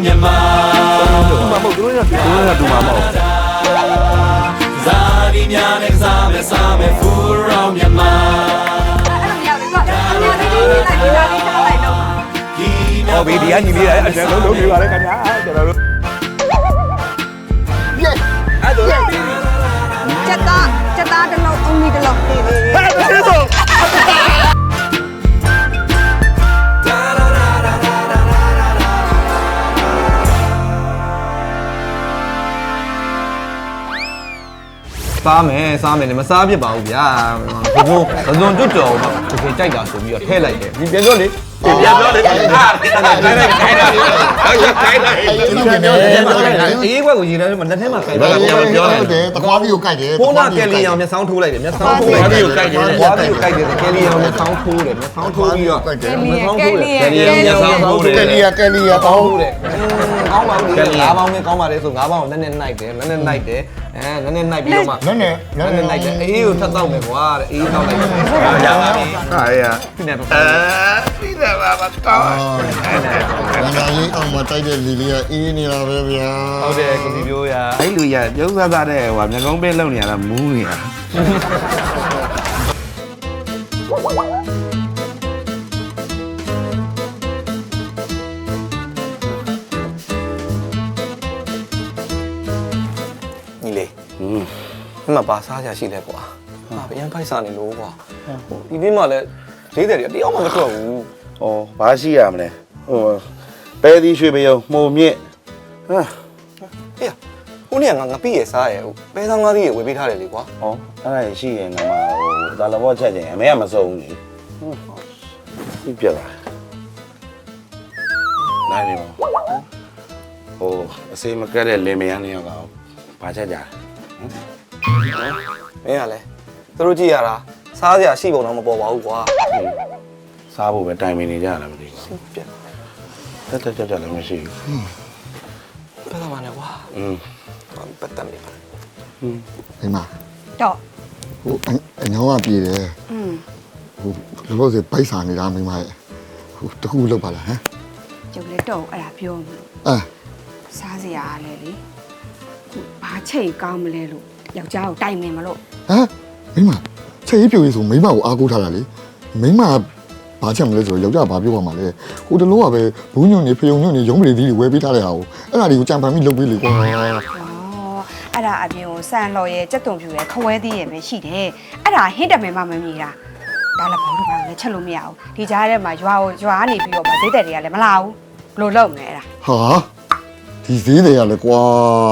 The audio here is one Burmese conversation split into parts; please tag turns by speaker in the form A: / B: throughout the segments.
A: မြန်မာ
B: တူမှာမဟုတ်တို့ကတူမှာမဟုတ်
A: ဇာတိများနဲ့စားမယ်ဖူရောမြန်မာ
B: ဟောဗီဒီယိုညီလေးအကျဉ်းလုံးနေပါလေခင်ဗျာကျွန်တော်တို့အဲ့ဒါ
C: ချက်သားတစ်လုံးအုံးကြီးတစ်လုံးဟဲ့ကျေးဇူး
B: စားမယ်မစားဖြစ်ပါဘူးဗျာဘုံကျွတ်တော်တော့တကယ်ကြိုက်တာဆိုပြီးတော့ထည့်လိုက်တယ်ဒီပြန်ပြောလေပြန်ပြောလေခိုင်းတာအေးဘက်ကိုရေထဲမှာလက်ထဲမှာခိုင်းတာ
D: ပြောတယ်တကွားပြီးကိုကြိုက်တယ်
B: ဖုန်းကကယ်လီအောင်မျက်စောင်းထိုးလိုက်တယ်မျက်စောင်းထိုးလိုက်တယ်ကိုကြိုက်တယ်ကွာပြီးကိုကြိုက်တယ်ကယ်လီအောင်မျက်စောင်းထိုးတယ်မျက်စောင်းထိုးပြီးတော့မျက်စောင်းထိုးတယ်ကယ်လီအောင်မျက်စောင်းထိုးတယ်
D: ကယ်လီယာကောင်း
B: တယ်ကောင်းပါဘူးလေ၅ပေါင်းနဲ့ကောင်းပါလေဆို၅ပေါင်းကိုနည်းနည်းနှိုက်တယ်နည်းနည်းနှိုက်တယ်နည်းနည်းနှိုက်ပြီးတော့မှ
D: နည်းနည်း
B: နှိုက်တယ်အေးကိုထပ်တော့မယ်ကွာအေးတော့လိုက်တယ်ရပါပြီဟာရဒီနေ့တော့ဒီနေ့ပါကောင်း
D: နာရီအောင်မတိုက်တဲ့လီလီယာအေးနေတာပဲဗျာ
B: ဟုတ်တယ်ကိုဒီမျိုးရ
E: အဲ့လူရပြုံးစားသားတဲ့ဟိုမျက်ကုံးပေးလုံနေရတာမူးနေတာ
B: ညီလေးအမပါစားကြရှိလဲကွာဟာဗျံဖိုက်စားနေလို့ကွာဒီနေ့မှလည်း40တည်းတယောက်မှမထွက်ဘူး
E: ဩဘာရှိရမလဲဟိုပဲသီးရွှေပြုံးမှုံမြင့်ဟာ
B: ဟေးဦးနေငါပြည့်ရစားရပဲဆောင်ကားကြီးဝေပေးထားတယ်လေကွာ
E: ဩအဲ့ဒါရှိရင်ငါမဟိုဒါလဘောချက်ချင်းအမေကမစုံဘူးလေဟုတ်ပြလာနိုင်နေပါဟိုအစေးမကက်တဲ့လင်မယားနေရောကောင်ဘာချက်ကြ
B: မင်းကလည်းသူတို့ကြည့်ရတာစားစရာရှိပုံတော့မပေါ်ပါဘူးကွာ
E: စားဖို့ပဲတိုင်ပင်နေကြလားမသိဘူး
B: ပြတ်
E: တက်လည်းမရှိဘူး
B: ဘယ်တော့မှလည်းကွာပတ်တယ်ပါ
D: ဒီမှာ
C: တော့
D: ဟိုအညောင်းကပြေတယ်ဟိုလောစေပိုက်စာနေတာမိမရဲ့ဟိုတခုလောက်ပါလားဟမ်
C: ကျုပ်လည်းတော့အဲ့ဒါပြောမှာစားစရာလဲလေဘာချိန်ကောင်းမလဲလို့ယောက်ျားကိုတိုင်မင်မလို့
D: မိမချက်ရေးပြိုရေးဆိုမိမကိုအားကိုးထားတာလေမိမဘာချက်မလဲဆိုတော့ယောက်ျားဘာပြောပါမှာလဲဟိုတလုံးကပဲဘူးညွန့်နေဖယုံညွန့်နေရုံးပရိသီးတွေဝယ်ပေးထားတဲ့ဟာကိုအဲ့ဒါတွေကိုကြံပန်ပြီးလုပ်ပေးလေကွာ
C: အဲ့ဒါအပြင်ကိုစံလော်ရဲ့ကြက်တုံဖြူရဲ့ခဝဲသေးရဲ့ပဲရှိတယ်အဲ့ဒါဟင်းတမယ်မှမမြည်တာဒါလည်းဘောတို့ဘာလဲချက်လို့မရဘူးဒီကြားထဲမှာရွာနေပြီးတော့ဗဈေးတဲ့တွေကလည်းမလာဘူးဘလို့လုပ်နေအဲ့ဒါ
D: ဟာဒီဈေးတွေကလည်းကွာ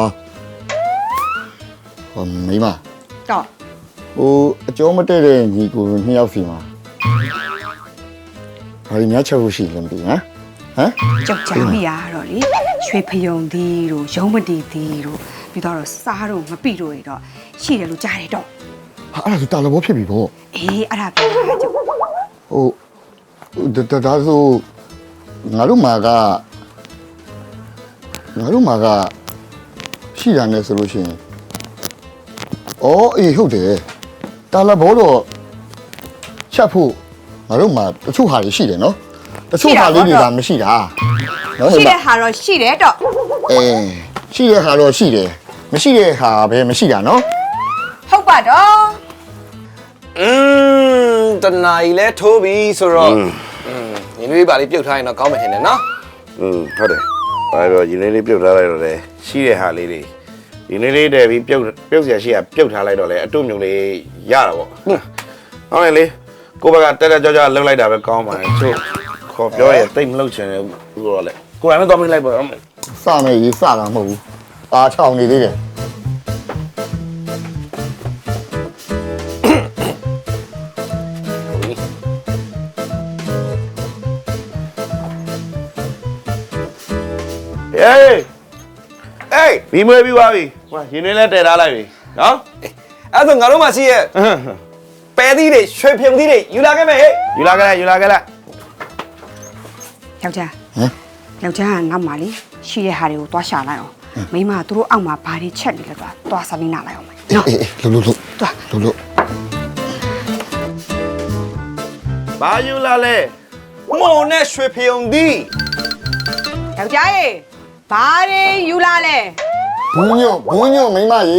D: မိမ
C: တော့
D: ဟိုအကျော်မတည့်တဲ့ညီကိုနှစ်ယောက်စီမှာဘာလို့များချက်ဖို့ရှိလဲမသိဘူးဟမ်
C: ကြောက်ကြမိရတော့လေရွှေဖယုံသီးတို့ရုံးမတီသီးတို့ပြီးတော့စားတို့မပိတို့တွေတော့ရှိတယ်လို့ကြားတယ်တော့
D: ဟာအဲ့ဒါဆိုတာလဘောဖြစ်ပြီပေါ့
C: အေးအဲ့ဒါပြောတာကြောက်
D: ဟိုဒါဆိုငါတို့မှာကရှိတာနဲ့ဆိုလို့ရှိရင်အေးဟုတ်တယ်တာလဘောတော့ချက်ဖို့ငါတို့မှာတချို့ဟာတွေရှိတယ်နော်တချို့ဟာလေးတွေကမရှိတာ
C: နော်ရှိတဲ့ဟာတော့ရှိတယ်တော့
D: ရှိတဲ့ဟာတော့ရှိတယ်မရှိတဲ့ဟာပဲမရှိတာနော်
C: ဟုတ်ပါတော့
B: တနာကြီးလဲထိုးပြီဆိုတော့ညီလေးပါလေးပြုတ်ထားရင်တော့ကောင်းမယ်ထင်တယ်နော်
E: ဟုတ်တယ်ဘာလို့ညီလေးပြုတ်ထားလိုက်တော့လဲရှိတဲ့ဟာလေးတွေဒီနေ့လေးတည်းပြီးပြုတ်เสียရှိရပြုတ်ထားလိုက်တော့လေအတုမျိုးလေးရတာပေါ့ဟုတ်တယ်လေကိုဘကတက်ကြောလှုပ်လိုက်တာပဲကောင်းပါတယ်ချို့ခေါ်ပြောရတိတ်မလှုပ်ချင်ဘူးဆိုတော့လေကိုယ်ကလည်းတော့မလိုက်ပါဘူး
D: စမယ်ရေးစတာမဟုတ်ဘူးအားချောင်းနေသေးတယ်
E: ဘီမွေးပြီးသွားပြီဟိုရင်းနှင်းလဲတည်ထားလိုက်ပြီနော်
B: အဲ့ဆိုငါတို့မှရှိရဲ့ပဲသီးတွေရွှေဖြုံသီးတွေယူလာခဲ့မယ်ဟဲ့
E: ယူလာခဲ့လိုက်
C: ယောက်ျားယောက်ျားကငါ့မှာလေရှိတဲ့ဟာတွေကိုသွားရှာလိုက်အောင်မိမတို့အောက်မှာဘာတွေချက်နေလဲသွားစားပြီးနားလိုက်အောင်မယ်နော်
D: လို့
C: သွား
D: လို့
E: ဘာယူလာလဲ
B: မုံနဲ့ရွှေဖြုံသီး
C: ယောက်ျားရေဘာတွေယူလာလဲ
D: ဘူးညွန့်မိမရေ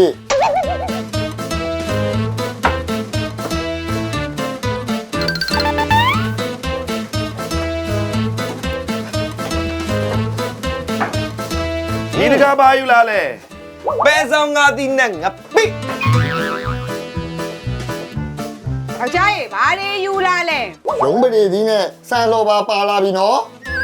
E: ဒီတကားပါယူလာလဲ
B: ပဲဆောင်ငါတီနဲ့ငါပိ
C: ယောက်ျားရေဘာတွေယူလာလဲ
D: ရုံးပရိသီးနဲ့ဆန်လော်ပါလာပြီနော်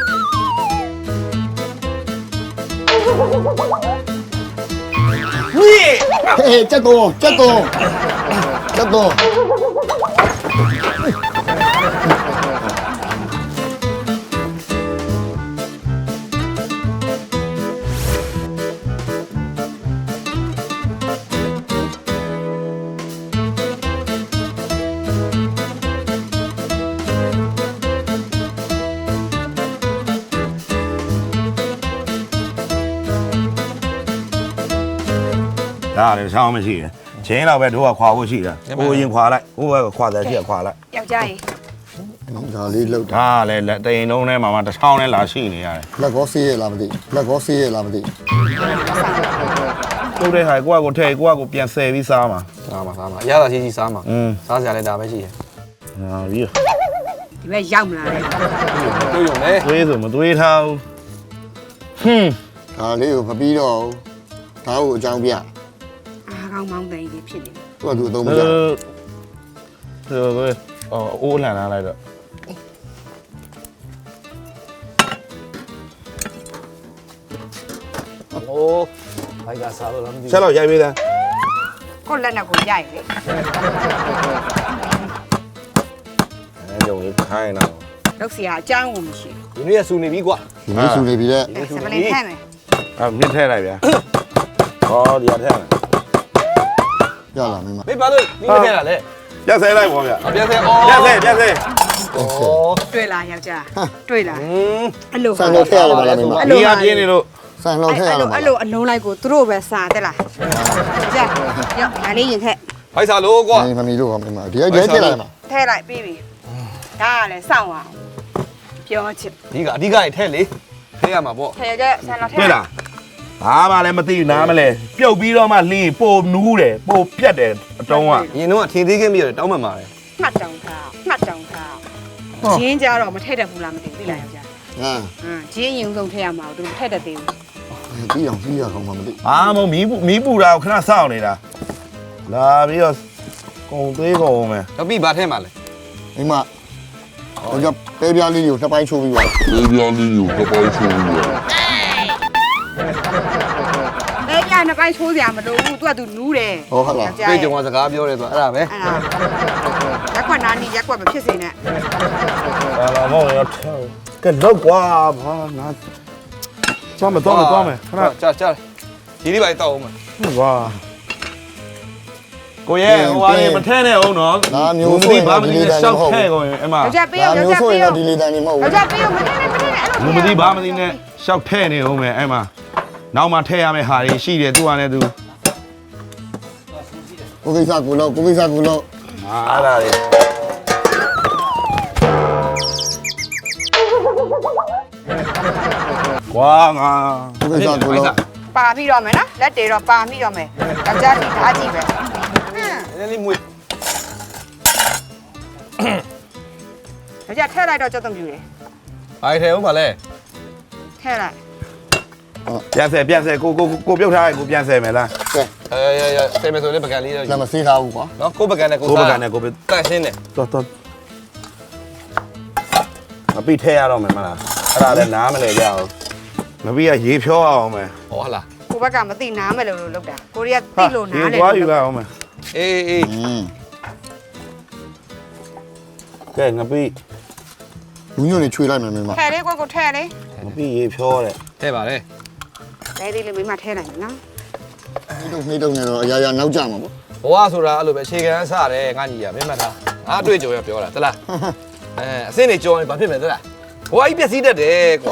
D: ဟေးချက်တော့
E: ဒါလည်းဆောင်းမရှိတယ်ချင်းတော့ပဲတို့ကခွာဖို့ရှိတာဟိုရင်ခွာလိုက်ဟိုကခွာတယ်ရှိခွာလိုက်
C: ယောက်ျားရေ
D: ဒါလေးလောက်
E: ဒါလည်းတရင်လုံးထဲမှာမှတစ်ထောင်နဲ့လာရှိနေရတယ်
D: လက်ကောဆေးရလားမသိ
E: တို့တဲ့ဟာကိုထဲကိုပြန်ဆယ်ပြီးစားမှာ
B: စားမှာအရသာရှိစားမှာစားစရာလည်းဒါပဲရှိတယ်
E: ဟာပြီး
C: ဒီဘက်ရောက်မလာလဲ
B: တွေ့ရုံနဲ့
E: သွေးဆိုမသွေးထားဘူးဟွန်း
D: ဒါလေးကိုမပြီးတော့ဒါကိုအကြောင်းပြ
C: အားကောင်းမောင်းတဲ့ကြီးဖြစ်နေ
D: သူ့အသုံးမကျ
E: အိုးလန်လာလိုက်တော့
B: โอ้ဘိုက်ကစားလို့လားမသိ
E: ဆက်တော့ရိုက်ပေးသား
C: ကိုယ့်လက်နဲ့ကိုရိုက်လေ
E: အဲကြုံလေးခိုင်းတော့
C: လောက်စီကအကြောင်းကိုမရှိ
B: ဒီနေ့ကစူနေပြီကွာ
D: ဒီနေ့ဆူနေပြီတဲ့
C: ဘူးစပလင်ထဲမယ်
E: မြင့်ထဲလိုက်ဗျာဟောဒီအထဲမှာ
D: ရလားမင်းမ
B: မေးပါလို့ဒီမထဲတာလေ
E: ပြတ်ဆဲလိုက်ပေါ့ဗျာ
B: အပြတ်ဆဲအော်
E: ပြတ်ဆဲ
B: ဩ
C: တွေ့လားယောက်ျားတွေ့လားအဲ့လို
D: ဆန်လို့ထည့်ရပါလားမင်းမ
E: ဒီကပြင်းနေလို့
D: ဆန်လို့ထည့်ရလား
C: အဲ့လိုအလုံးလိုက်ကိုသူတို့ပဲစားတက်လားကြရောက်ဒါလေးရင်ထက်
B: ဘိုက်စားလို့ကွာ
D: မမီတို့ကမင်းမဒီကရဲထည့်လိုက်မှာ
C: ထဲလိုက်ပြီးပြီဒါကလည်းစောင့်အောင်ပြောချစ်
B: ဒီကအဓိကရထဲလေထဲရမှာပေါ့
C: ထဲကြဆန်တော့ထဲ
E: တွေ့လားဘာမှလည်းမသိဘူးနားမလဲပြုတ်ပြီးတော့မှလင်းပိုနူးတယ်ပိုပြတ်တယ်အတုံးက
B: ရင်တော့ထင်သေးခင်းပြီးတော့တောင်းမှန်ပါတယ်
C: မှတ်တောင်ထားဂျင်းကြတော့မထည့်တတ်ဘူးလားမသိဘူးသိလားယောက်ျား
D: ဟမ်
C: ဂျင်းရင်ဆုံးထည့်ရမှာသူမထည့်တတ်သေးဘူး
D: ပြီးအောင်ပြီးရအောင်မသိ
E: အာမမီးပူတာကိုခဏစောင့်နေတာလာပြီးတော့ကုံသေးကုန်မယ်
B: တော့ပြီးဘာထဲမှာလဲ
D: မင်းမဟိုကပဲပြားလေးကိုနှစ်ပိုင်းချိုးပြီးပါ
C: လဲပြနှစ်ပိုင်းချိုးစရာမလိုဘူးသူကသူနူးတယ်
D: ဟောဟုတ်လား
B: တွေ့ကြုံကစကားပြောတယ်ဆိုအဲ့ဒါပဲ
C: အဲ့ဒါရက်ခွက်နာနီရက်ခွက်မဖြစ်စေနဲ့
E: လာမောင်ရကဲလောက်ကွာဘာနာသွားမယ်ခဏ
B: ကြာဒီလေးပါတောက်အောင်မ
E: ဝါကိုရဲ့ဟိုဟာမထဲနဲ့အောင်နော်ဘာမသိရှောက်ထဲကုန်ရင်အမ
C: ယောက်ျားပေးရောယောက်ျား
D: ဆို
C: ပေး
D: ရင်
C: ရော
D: ဒီလေးတန်းနေမဟုတ်
C: ယော
D: ဘူး
C: က်ျားပေးရောမထည့်နဲ့အဲ့လို
E: မသိဘာမသိနဲ့ရှောက်ထဲနေအောင်မယ်အဲ့မှာနောက်မှထဲရမယ့်ဟာတွေရှိတယ်သူကလည်းသူ
D: ကိုကိစ္စကိုလို့
E: အဲ့ဒါတွေကွာငါ
D: ကိုကိစ္စကိုလို့
C: ပါပြီးတော့မယ်နော်လက်တွေတော့ပါပြီးတော့မယ်ယောက်ျားကြည့်ဓာတ်ကြည့်ပဲ
B: နည်းနည်းမွေး
C: ယောက်ျားထည့်လိုက်တော့ကြောက်တုံပြူတယ်
B: ဘိုက်ထဲအောင်ပါလဲ
C: ထည့်လိုက်
E: ပြန်ဆဲကိုပြုတ်ထားကိုပြန်ဆဲမယ်လား
D: ကဲ
B: ဆယ်မယ်ဆိုလည်းပကံလေးတော့
D: လက်မစေးထားဘူးကွာ
B: နော်ကိုပကံနဲ့ကို
E: ကို
B: စား
E: ပကံနဲ့ကို
B: တန့်ရှင်းတယ်
E: တော်မပြီးထဲရတော့မယ်မလားအဲ့ဒါလည်းနားမလဲကြအောင်မပြီးကရေဖြောအောင်မယ်
B: ဟောလား
C: ကိုဘက်ကမသိနားမယ်လို့လုပ်တာကိုရီးယားသိလို့နားလေ
E: သွားယူရအောင်မယ်
B: အေး
E: ကဲငပိ
D: ဘူးညွန့်နေချွေလိုက်မယ်မင်းမ
C: ထည့်လေးကိုထည့်လေး
E: ငပိရေဖြောတဲ့
B: ထဲပါလေ
C: လဲသေးလေးမိမထည့်လိုက်မယ်နော်
D: နှိမ့်တော့နေတော့အရာရာနောက်ကျမှာပေါ့
B: ဘဝဆိုတာအဲ့လိုပဲအခြေခံစတယ်ငါညီရမင်းမထားအားတွေ့ကြုံရပြောတာတလားအစင်းနေကြောရင်ဘာဖြစ်မလဲတလားဘဝကြီးပြည့်စည်တတ်တယ်ကွာ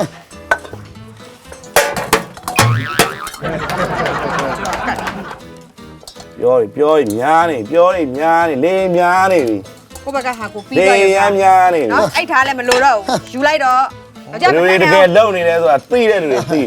E: ပြောရများနေလေးများနေပြီ
C: ကိုဘက်ကဟာကိုပြီး
E: လေး
C: တော့
E: ရများနေပြီ
C: နော်အိတ်ထားလည်းမလိုတော့ဘူးယူလိုက်တော့ယောက်ျား
E: လူတွေတကယ်လုံနေလဲဆိုတာသိတဲ့လူတွေသိတယ်
C: မ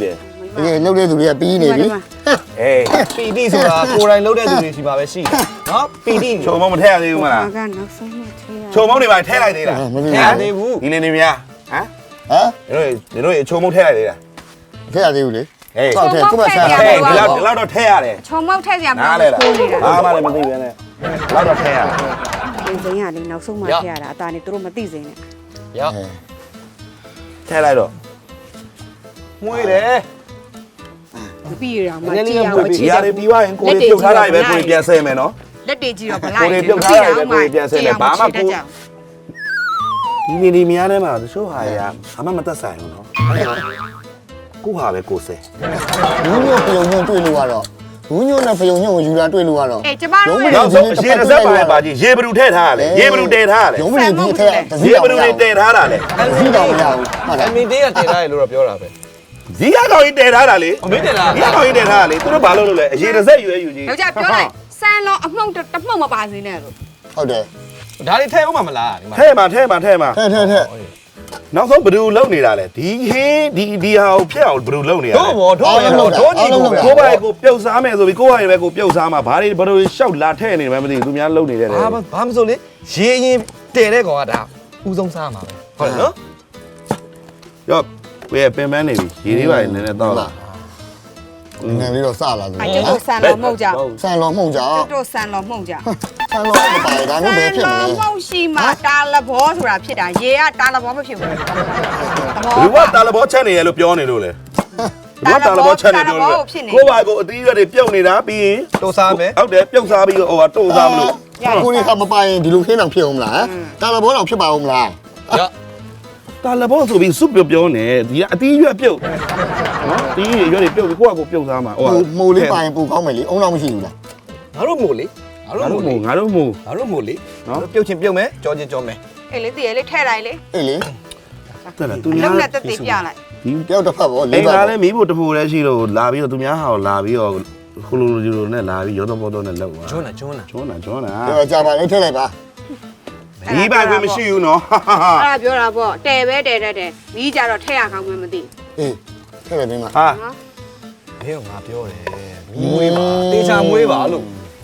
D: ဒီလှုပ်တဲ့သူတွေကပြီးနေပြီ
E: အေး
B: ပီတိဆိုတာကိုယ်တိုင်လုပ်တဲ့သူတွေရှိပါပဲရှိတယ်နော်ပီတိ
E: ချုံမုံမထည့်ရသေးဘူးမလား
C: ကနောက်ဆုံးမှထည့်ရ
E: ချုံမုံတွေပါထည့်လိုက်သေးလား
D: မသိ
B: ထည့်ရသေးဘူး
E: ဒီနေနေများဟမ်
D: ဟမ်
E: တို့ချုံမုံထည့်လိုက်သေးလား
D: ထည့်ရသေးဘူးလေ
E: ဟေး
D: ဆောက်ထည့်သူ့မဆန်
E: ဟေးဒီလောက်တော့ထည့်ရတယ်
C: ချုံမောက်ထည့်စရာမ
E: နား
C: လို
E: လဲလား
C: ခိုးနေတာ
E: ဘာမှလည်းမသိပဲနဲ့လောက်တော့ထည့်ရတယ်
C: ပြင်စိမ်းကလေနောက်ဆုံးမှထည့်ရတာအตาနေသူတို့မသိစိမ်းနဲ့
B: ရောက်
E: ထည့်လိုက်တော့
B: မွေးတယ်
C: မပြီးရအောင်မကြည့်အောင်မချ
E: ဒီ
C: စ်
E: ဟာတွေပြီးသွားရင်ကိုယ်ပြုတ်ထားလိုက်ပဲကိုယ်ပြန်ဆဲမယ်နော်
C: လက်တွေကြည့်တော့ဗလိုက်
E: ကိုယ်ပြုတ်ထားလိုက်ပဲကိုယ်ပြန်ဆဲမယ်ဘာမှကိုဒီနေဒီများထဲမှာတချို့ဟာရဘာမှမသက်ဆိုင်ဘူးနော်ကိုဟာပဲကိုယ်ဆဲ
D: ဘူးညိုဖယုံညိုတွေ့လို့ကတော့ဘူးညိုနဲ့ဖယုံညိုကိုယူလာတွေ့လို့ကတော့
C: အေးကျမတို့ရဲ့
E: နောက်ဆုံးရေတစ်စက်ပါကြီးရေဘလူထည့်ထားရလေရေဘလူတည်ထားရလေ
D: ရုံးမနေဒီထက်တစ
E: ရေ
D: ည်း
E: ဘ
D: တော်
E: လူ
D: မရ
E: တွေတည်ထားတာလေ
D: ဘူးတစည်းတော်မရဘူးဟုတ်လား
B: အမီတေးကတင်ထားတယ်လို့တော့ပြောတာပဲ
E: ဇီးကောင်ကြီးတည်ထားတာလေ
B: အမေတင်လား
E: ဇီးကောင်ကြီးတည်ထားတာလေသူတို့ဘာလို့လုပ်လဲအရေတစ်စက်ယူယူကြီး
C: ယောက်ျားပြောလိုက်စမ်းလုံးအမှုန့်တမှုန့်မပါစေနဲ့လို့
D: ဟုတ်တယ်
B: ဒါတွေထဲအောင်မလားဒီမှာ
E: ထဲမှာထဲမှာထဲမှာ
D: ထက်
E: နောက်ဆုံးဘလူလုံနေတာလေဒီဟင်းဒီဟာကိုဖျက်အောင်ဘလူလုံနေတာ
B: တို့ဘောတို့ရတော့တို့ညီကိုပဲ
E: ကိုပါကိုပြုတ်စားမယ်ဆိုပြီးကိုဟာရပဲကိုပြုတ်စားမှာဘာတွေဘလူရှောက်လာထဲနေတယ်မသိဘူးသူများလုံနေတယ်လေ
B: ဘာမဆိုလေရေရင်တည်တဲ့ကောင်ကဒါဥဆုံးစားမှာပဲဟုတ်တယ်နော်
E: ရော့ကိုပင်ပန်းနေပြီရေလေးပါနည်းနည်းတော့လာ
D: နည်းလေးတော့စလာတယ်
C: အကျုပ်တို့ဆန်လုံးမှုန့်ကြ
D: ဆန်တော်မှုန်ကြ
C: ကျုပ်တို့ဆန်လုံးမှုန့်ကြ
D: ဆန်တော်မပါဒါမျိုးပဲဖြစ်မလဲ
C: မှုန့်ရှိမှတာလဘောဆိုတာဖြစ်တာရေကတာလဘောမဖြစ်ဘူးသဘော
E: ဘလူကတာလဘောချက်နေရလို့ပြောနေလို့လေဘလူကတာလဘောချက်နေပြောလို့ကိုပါကိုအသီးရွက်တွေပြုတ်နေတာပြီးရင်
B: တို့စားမယ်
E: ဟုတ်တယ်ပြုတ်စားပြီးတော့ဟိုကတိုးစားမလို့
D: ကိုကြီးကမပိုင်ဒီလိုခင်းအောင်ဖြစ်အောင်မလားတာလဘောတော်ဖြစ်ပါအောင်မလား
B: ရောက်
E: တာလဘောဆိုပြီးစွပ်ပြောနေဒီကအသီးရွက်ပြုတ်နော်အသီးရွက်တွေပြုတ်ပြီးကိုကကိုပြုတ်စားမှာဟို
D: မိုးလေးပိုင်ပူကောင်းမယ်လေအုံတော့မရှိဘူးလား
B: ငါတို့မို့လေငါတို့မို့လေ
E: ငါတို့မို့
B: ငါတို့မို့လေနော်ပြုတ်ချင်းပြုတ်မယ်ကြောချင်းကြောမယ်
C: အေးလေတည်းလေထဲလိုက်လေ
D: အေးလေ
E: တက်လာသူ
C: အ
E: များ
C: လုံးနဲ့တက်တက်ပြလိုက်
E: ဒီ
D: တယောက်တစ်ဖက်ပေါ့
E: အိ
D: လေး
E: မ်
D: ပါ
E: သားလည်းမီးဖို့တဖို့လည်းရှိလို့လာပြီးတော့သူများဟာကိုလာပြီးတော့ခလိုလိုဂျီလိုနဲ့လာပြီးရောတော့ပေါ်တော့နဲ့လောက်သွား
B: ကျွန်းလားကျွန်းလား
E: ကျွန်းတာ
D: ပြောကြပါလေထည့်လိုက်ပါ
E: ဒီဘက်ကွမရှိဘူးနော်
C: အဲ့ဒါပြောတာပေါ့တဲပဲတဲတတ်တယ်မီးကြတော့ထဲရကောင်းမှမသိ
D: အေးထည့်လိုက်ပြီးမှ
E: ဟာ
C: နော်
B: ဘယ်ကငါပြောတယ်မီးမွေးပါတေချာမွေးပါလို့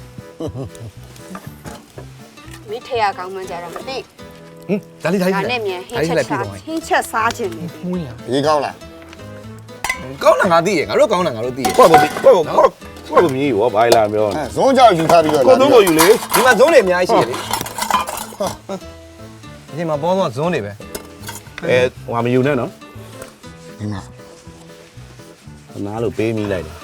C: မီးထဲရကောင်းမှကြတော့မသိ
B: ဟင်ဒါလေးဒါ
C: ဒါ
B: လေး
C: နဲ့မြန်ဟင်း
B: ဒါလေး
C: ချက်
B: လိုက်ပြီး
C: စား
B: တော့
C: ဟင်းချက်စားခြင်းနေပြီ
B: မွေးရ
D: ဒီကောင်းလား
B: ကောင်းတာငါသိရငါတို့ကောင်းတာငါတို့သိရ
E: ကိုယ့်ကိုမြည်ရောဘာလာပြော
D: အဲဇွန်းကြောက်ယူထားပြီးတော့
E: ကိုသုံးကိုယူလေ
B: ဒီမှာဇုံးတွေအများကြီးရှိရလေဒီမှာပေါ်တော့ဇုံးတွေပဲ
E: အဲဟိုမယူနဲ့နော်
D: ဒီမှာ
E: နားလို့ပေးမိလိုက်တယ်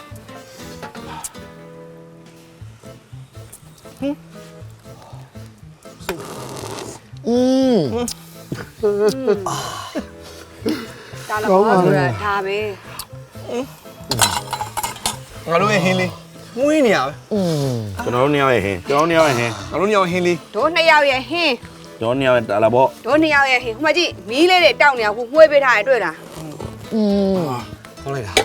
D: อืม
C: ဒါလည်းဘောဆိုတာဒါပဲ
B: ငါတို့ရဲ့ဟင်းလေးမွေးနေရပဲ
D: อืม
E: ကျွန်တော်တို့နှစ်ယောက်ရဲ့ဟင်းကျွန်တော်တို့နှစ်ယောက်ရဲ့ဟင်း
B: ငါတို့ညောင်ဟင်းလေး
C: တို့နှစ်ယောက်ရဲ့ဟင်း
E: ကျွန်တော်နှစ်ယောက်ရဲ့တာလာပေါ့
C: တို့နှစ်ယောက်ရဲ့ဟင်းဟိုမှာကြည့်မီးလေးတွေတောက်နေအခုမှွေးပေးထားရတွေ့လား
D: อืม
B: ကောင်းလိုက်တာ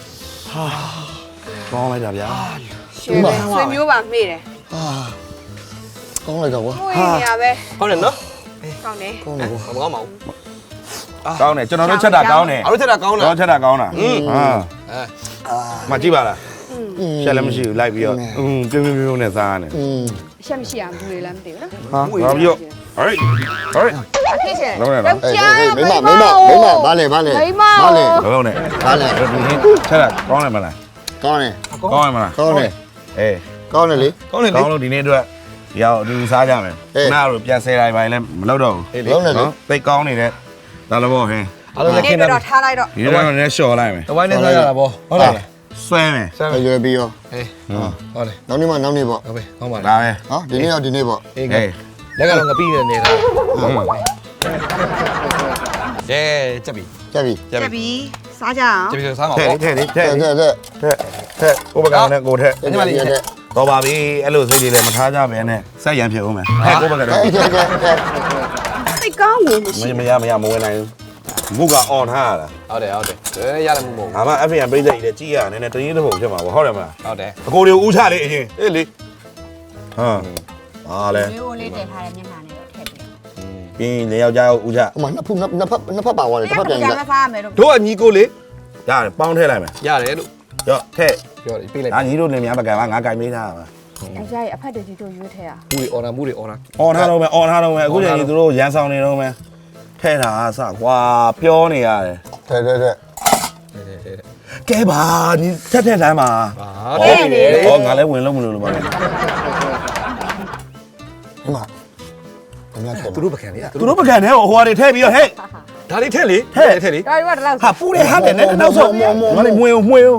E: ကောင်းလိုက်တာဗျာ
C: ရွှေပဲဆွေမျိုးပါမေ့တယ်
D: အာကောင်းလိုက်တော့ကွာ
C: မှွေးနေရပဲ
B: ကောင်းတယ်နော်
C: ကောင်းတယ်
D: ကောင်းတယ်ကွာ
B: မကောင်းပါဘူး
E: ကောင်းတယ်ကျွန်တော်တို့ချက်တာကောင်းတယ်
B: အားတို့ထက်တာကောင်း
E: ကျွန်
B: လား
E: တော်ချက်တာကောင်းတာဟာ
B: အဲ
E: မကြည့်ပါလား
D: อืม
E: ချက်လည်းမရှိဘူးလိုက်ပြီးတော့ပြုံးပြုံးနဲ့စားရတယ်
D: อืม
C: အချက်မရှိအောင်ဘူးလေလည်းမသိဘူးနော်
E: ဟာဘာပြောဟိုက်
C: အဖြစ်ရှင်
E: လုံးနေလား
D: အေးအေးမိမဘာလဲဘာလဲ
E: လုံးနေ
D: ဘာလဲ
E: ဒီဟင်းချက်တာကောင်းတယ်မလား
D: ကောင်းတယ်
E: ကောင်းတယ်မလား
D: ကောင်းတယ်
E: အေး
D: ကောင်းတယ်လေ
B: ကောင်းတယ်လေ
E: ကောင်းလို့ဒီနေ့အတွက်ရောက်အတူစားကြမယ်နားတို့ပြန်ဆဲတိုင်းပိုင်းလည်းမလုပ်တော့ဘူး
D: လုံးတယ်လေ
E: နော်သိကောင်းနေတဲ့ဒါလည်းပေါ့ဟင်း
B: အားလုံးလည်း
C: ဒီ
B: ခင်း
C: နေ့
B: တာ
C: တော့ထားလိုက်တော့
E: ဒီနေ့ကတော့လည်းလျှော်လိုက်မယ်
B: တဝိုင်းနဲ့စားရတာပေါ့ဟုတ်တယ်
E: ဆွဲမယ်
B: ဆမ်း
D: ရွယ်ပြီးရော
B: အေးဟုတ်တယ်
D: နောက်နေ့မှနောက်နေ့ပေါ့
B: ဟုတ်ပြီကောင်းပါ
E: ဒါ
B: လား
E: ပဲ
D: ဟောဒီနေ့ရောဒီနေ့ပေါ့
B: အေး
E: ဟေး
B: လက်ကတော့ငပိနေနေတာကဲချက်ပြီ
D: ကြက်ပြီ
B: ချက်ပြီ
C: ပြီစားကြအောင်
B: ချက်ပြီဆိုစားမှာ
E: ထဲ
B: ပေါ့
E: ထဲထဲ
D: တဲ့တဲ့တဲ့
E: ထဲကိုပကောင်နဲ့ကိုထဲ
B: ညီမလေးချက်
E: တော့ပါပြီအဲ့လိုစိတ်ကြီးလည်းမထားကြပဲနဲ့ဆက်ရန်ဖြစ်ဦးမယ်ထဲကိုပကတော့
D: တဲ့တဲ့တဲ့
C: စိတ်ကောင်းဝင်မရှိ
E: မဝင်နိုင်ဘူးမုကအော်ထားရတာ
B: ဟုတ်တယ်ရတယ်မှုမဟုတ်
E: ငါမှ FM ပြိဿကြီးလည်းကြည့်ရနည်းနည်းတရင်တစ်ပုံဖြစ်မှာပေါ့ဟုတ်တယ်မလား
B: ဟုတ်တယ်
E: အကိုတွေကိုဦးချလေအရင်
B: အေးလေ
E: ဟာဟာလေ
C: မျိုးလေးတင်ထားတဲ့မျက်နှာနဲ့တော့ထည့်ပေး
E: ပြီးရင်ယောက်ျားဦးချ
D: ဟိုမှာနှစ်ဖက်ပါသွားတယ်တစ်ဖက်ပြန်
C: ကြ
D: ကြ
C: မစားရမယ်တော့
B: တို့ကညီကိုလေ
E: ရတယ်ပေါင်းထည့်လိုက်မယ်
B: ရတယ်လို့
E: ရော့ထည့်
B: ပြောတယ်ပေးလိုက်
E: ဒါညီတို့လင်များပကံကငါကြိုင်မေးထားတာပါ
C: ယောက်ျားရဲ့အဖက်တကြီးတို့ရွေးထဲอ่ะ
B: မှုတွေအော်နာမှုတွေအော်နာ
E: အော်ထားတော့မယ်အော်ထားတော့မယ်အခုချိန်ကြီးသူတို့ရန်ဆောင်နေတော့မယ်ထဲတာအစကွာပြောနေရတယ်
D: ထဲထဲထဲ
E: ကဲပါညီထက်ထက်တိုင်းပါ
B: တဲ့နေတယ်
E: ဟောငါလည်းဝင်လို့မလို့လို့ပါလေ
D: ဒီမှာအများထဲ
B: သူတို့ပကံလေ
E: သူတို့ပကံနဲ့ဟိုဟာတွေထည့်ပြီးတော့ဟဲ့
B: ဒါလေးထက်လေထက်လေ
C: ဒါတွေကဒီလောက်
E: ဟာပူတယ်ဟာတယ်နဲ့နောက်ဆုံးငါလည်းမွေမွေ
B: ဟာ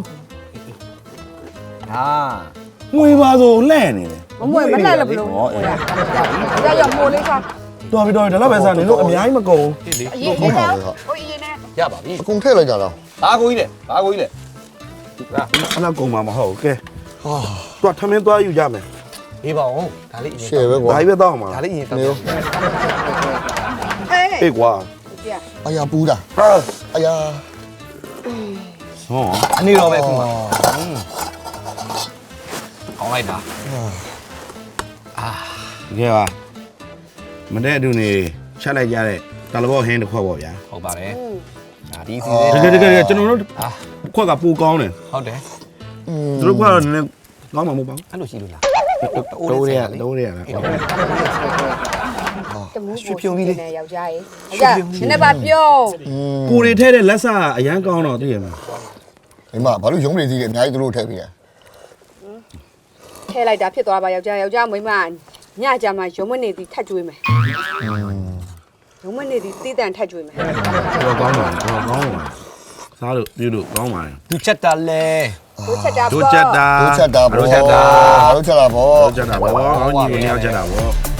E: မွေပါဆိုလဲ့နေတယ်
C: မမွေမလက်လို့ဘလို့ဟိုရရရမိုးလေးစား
E: တော်ပြီတော်ပြီဒါတော့ပဲစားနေလို့အများကြီးမကုန်
B: ဟေးလေ
C: အရင်နဲ့ဟိုအရင်နဲ့
B: ရပါပြီ
D: အကုန်ထည့်လိုက်ကြတော့
B: ဘာကိုကြီးလဲဘာကိုကြီးလဲ
E: အဲ့လောက်ကုန်မှာမဟုတ်ဘူးကဲဟာသူကထမင်းသွားယူကြမယ်
B: အေးပါအောင်ဒါလေးအရင်
D: ရှယ်ပဲကွာ
E: ဒါကြီးပဲတောက်မှာ
B: ဒါလေးအရင်တောက်
D: နေရော
E: အေးကွာ
C: ပြ
D: အယာပူတာ
E: ဟာ
D: အယာ
E: ဟော
B: အနေတော့ပဲခုမှအောင်လိုက်တာ
E: ဒီကပါမတဲ့အတူနေချက်လိုက်ကြတဲ့တလဘောဟင်းတစ်ခွက်ပေါ့ဗျာ
B: ဟုတ်ပါတယ်ဒါဒီစီ
E: တကယ်ကျွန်တော်တို့ခွက်ကပူကောင်းတယ်
B: ဟုတ်တယ်
E: သူတို့ကတော့နည်းနည်းကောင်းမှာမဟုတ်ပါဘူး
B: အဲ့လိုရှိလို့လား
E: တိုးရဲတိုးရဲလား
C: တမှုရွှေဖြုံကြီးလေးနဲ့ယောက်ျားရဲ့ယောက်ျားနည်းနည်းပါပြုံး
E: ကိုတွေထဲတဲ့လက်စအရန်ကောင်းတော့သိရမှာ
D: ဒီမှာဘာလို့ရုံးနေသေးလဲအများကြီးသူတို့ထည့်ပြီးတယ်
C: ထဲလိုက်တာဖြစ်သွားပါယောက်ျားယောက်ျားမိန်းမညကြမှာရုံမနေသည်ထတ်ကျွေးမယ်ရုံမနေသည်တည်တံထတ်ကျွေးမယ်
E: တော့ကောင်းပါတော့ကောင်းပါစားလို့ပြုလို့ကောင်းပါတယ်
B: သူချက်တာလဲ
C: တို့ချက်တာ
E: တို့ချက်တာ
D: တို့ချက်တာဗော
E: တို့ချက်တာ
D: တို့ချက်တာဗော
E: တို့ချက်တာဘောကောင်းကြီးနေရောက်ချက်တာဘော